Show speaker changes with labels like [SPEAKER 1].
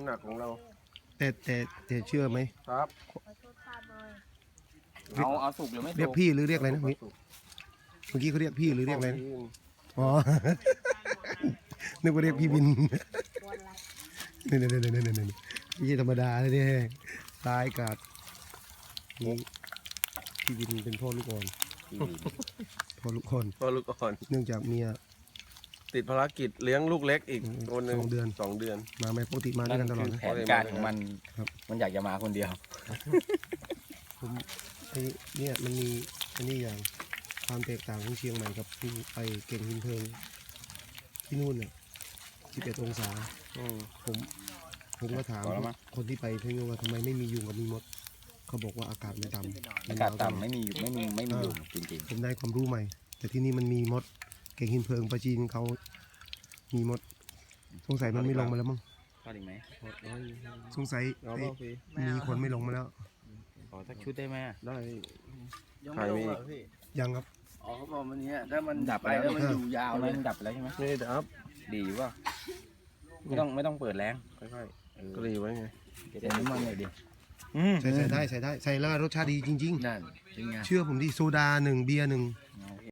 [SPEAKER 1] หนักของเรา
[SPEAKER 2] แต่เชื่อไหม
[SPEAKER 1] ครับ
[SPEAKER 3] เอาสุกหรือไม่สุก
[SPEAKER 2] เรียกพี่หรือเรียกอะไรนะเมื่อกี้เขาเรียกพี่หรือเรียกอะไรนะอ๋อ นึกว่าเรียกพี่บินนี่ไม่ใช่ธรรมดาเลยเนี่ยตายกาดนี่พี่บินเป็นพ่อลูกอ่อนพ่อลูกอ่อน
[SPEAKER 1] พ่อลูกอ่อน
[SPEAKER 2] เนื่องจากเมีย
[SPEAKER 1] ติดภารกิจเลี้ยงลูกเล็กอีกคนหนึ่ง
[SPEAKER 2] 2 เดือน
[SPEAKER 1] 2 เดือน
[SPEAKER 2] มาไม่ปกติมาด้วยกันตลอด
[SPEAKER 3] คือ
[SPEAKER 2] นะ
[SPEAKER 3] แผนการของมัน
[SPEAKER 2] ครับ
[SPEAKER 3] มันอยากจะมาคนเดียว
[SPEAKER 2] ผมไอ้เนี่ยมันมีอันนี้อย่างความแตกต่างของเชียงใหม่กับที่ไปเก่งหินเพลิงที่นู่นเนี่ย11 องศา ผมก็ถาม
[SPEAKER 3] พอแล้วมั้ง
[SPEAKER 2] คนที่ไปที่นู่นว่าทำไมไม่มียุงกับมีมดเขาบอกว่าอากาศมันต่ำ
[SPEAKER 3] อากาศต่ำไม่มียุงจริง
[SPEAKER 2] ผมได้ความรู้ใหม่ แต่ที่นี่มันมีมด เก่งหินเพลิงปลาจีนเขามีมด สงสัยมันไม่ลงมาแล้วมั้ง
[SPEAKER 3] ๆพอดีไหม
[SPEAKER 2] สงสัย
[SPEAKER 1] เอา
[SPEAKER 2] ไอ้
[SPEAKER 1] เปล่าพี่
[SPEAKER 2] มีคนไม่ลงมาแล้ว
[SPEAKER 3] ขอสักชุดได้ไหม
[SPEAKER 1] ได้
[SPEAKER 4] ยังไม่ลงเหรอพี่
[SPEAKER 2] ยังครับ
[SPEAKER 4] อ๋อเขาบอกมันเนี้ยถ้ามัน
[SPEAKER 3] ดับ
[SPEAKER 4] ไป
[SPEAKER 3] ไปแล้ว
[SPEAKER 4] แล้วมันอยู่ยาว
[SPEAKER 3] เอา
[SPEAKER 4] เล
[SPEAKER 3] เลย
[SPEAKER 4] ย
[SPEAKER 3] มันดับไปแล้วใช่ไหม
[SPEAKER 1] นี่ดับ
[SPEAKER 3] ดีอยู่ป่ะไม่ต้องเปิดแรงค่อย
[SPEAKER 1] กรีไว้ไง
[SPEAKER 3] ๆเดี๋ยวน้ำมันหน่อยดิ
[SPEAKER 2] ใส่ได้ใส่แล้วรสชาติดีจริง
[SPEAKER 4] นั่นจริงไง
[SPEAKER 2] ๆ เชื่อผมดิโซดา 1 เบียร์ 1